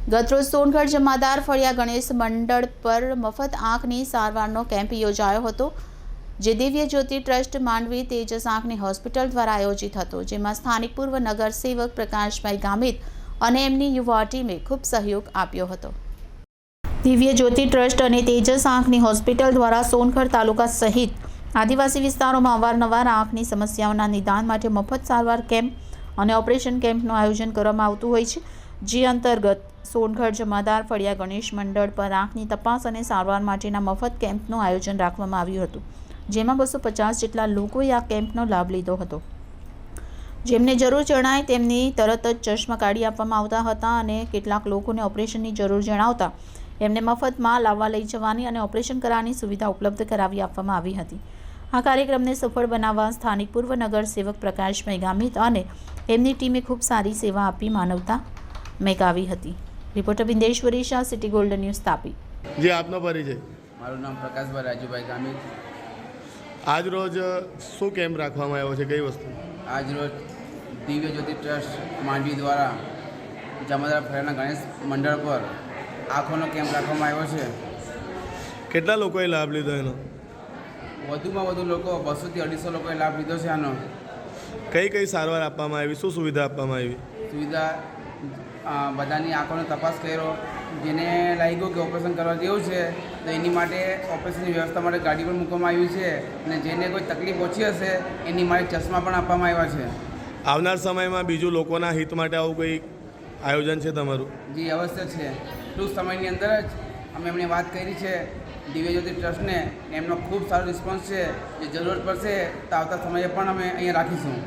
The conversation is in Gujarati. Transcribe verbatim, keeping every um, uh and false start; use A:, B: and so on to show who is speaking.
A: ગતરોજ સોનગઢ જમાદાર ફળિયા ગણેશ મંડળ પર મફત આંખની સારવારનો કેમ્પ યોજાયો હતો, જે દિવ્ય જ્યોતિ ટ્રસ્ટ માંડવી તેજસ આંખની હોસ્પિટલ દ્વારા આયોજિત હતો, જેમાં સ્થાનિક પૂર્વ નગર સેવક પ્રકાશભાઈ ગામિત અને એમની યુવા ટીમે ખૂબ સહયોગ આપ્યો હતો. દિવ્ય જ્યોતિ ટ્રસ્ટ અને તેજસ આંખની હોસ્પિટલ દ્વારા સોનગઢ તાલુકા સહિત આદિવાસી વિસ્તારોમાં અવારનવાર આંખની સમસ્યાઓના નિદાન માટે મફત સારવાર કેમ્પ અને ઓપરેશન કેમ્પનું આયોજન કરવામાં આવતું હોય છે, જે અંતર્ગત સોનગઢ જમાદાર ફળિયા ગણેશ મંડળ પર આંખની તપાસ અને સારવાર માટેના મફત કેમ્પનું આયોજન રાખવામાં આવ્યું હતું, જેમાં બસો પચાસ જેટલા લોકોએ આ કેમ્પનો લાભ લીધો હતો. જેમને જરૂર જણાય તેમની તરત જ ચશ્મા કાઢી આપવામાં આવતા હતા અને કેટલાક લોકોને ઓપરેશનની જરૂર જણાવતા એમને મફતમાં લાવવા લઈ જવાની અને ઓપરેશન કરાવવાની સુવિધા ઉપલબ્ધ કરાવી આપવામાં આવી હતી. આ કાર્યક્રમને સફળ બનાવવા સ્થાનિક પૂર્વ નગર સેવક પ્રકાશભાઈ ગામિત અને એમની ટીમે ખૂબ સારી સેવા આપી માનવતા મેગાવી હતી. Reporter Bindeshwari Shah, city golden news, Tapi.
B: જી, આપનો પરિચય?
C: મારું નામ પ્રકાશભાઈ રાજુભાઈ ગામિત.
B: આજ રોજ શું કેમ્પ રાખવામાં આવ્યો છે, કઈ વસ્તુ?
C: આજ રોજ દિવ્ય જ્યોતિ ટ્રસ્ટ માંડવી દ્વારા જમાદાર ફળિયાના ગણેશ મંડળ પર આંખોનો કેમ્પ રાખવામાં આવ્યો છે.
B: કેટલા લોકોએ લાભ લીધો એનો?
C: વધુમાં વધુ લોકો બસોથી અઢીસો લોકોએ લાભ લીધો છે. આનો
B: કઈ કઈ સારવાર આપવામાં આવી, શું સુવિધા આપવામાં આવી?
C: સુવિધા બધાની આંખોનો તપાસ કર્યો, જેને લાગ્યું કે ઓપરેશન કરવા જેવું છે તો એની માટે ઓપરેશનની વ્યવસ્થા માટે ગાડી પણ મૂકવામાં આવી છે, અને જેને કોઈ તકલીફ ઓછી હશે એની માટે ચશ્મા પણ આપવામાં આવ્યા છે.
B: આવનાર સમયમાં બીજું લોકોના હિત માટે આવું કોઈ આયોજન છે તમારું?
C: જી, અવશ્ય છે. ટૂંક સમયની અંદર જ અમે એમણે વાત કરી છે દિવ્ય જ્યોતિ ટ્રસ્ટને, એમનો ખૂબ સારો રિસ્પોન્સ છે. જે જરૂરત પડશે તો આવતા સમયે પણ અમે અહીંયા રાખીશું.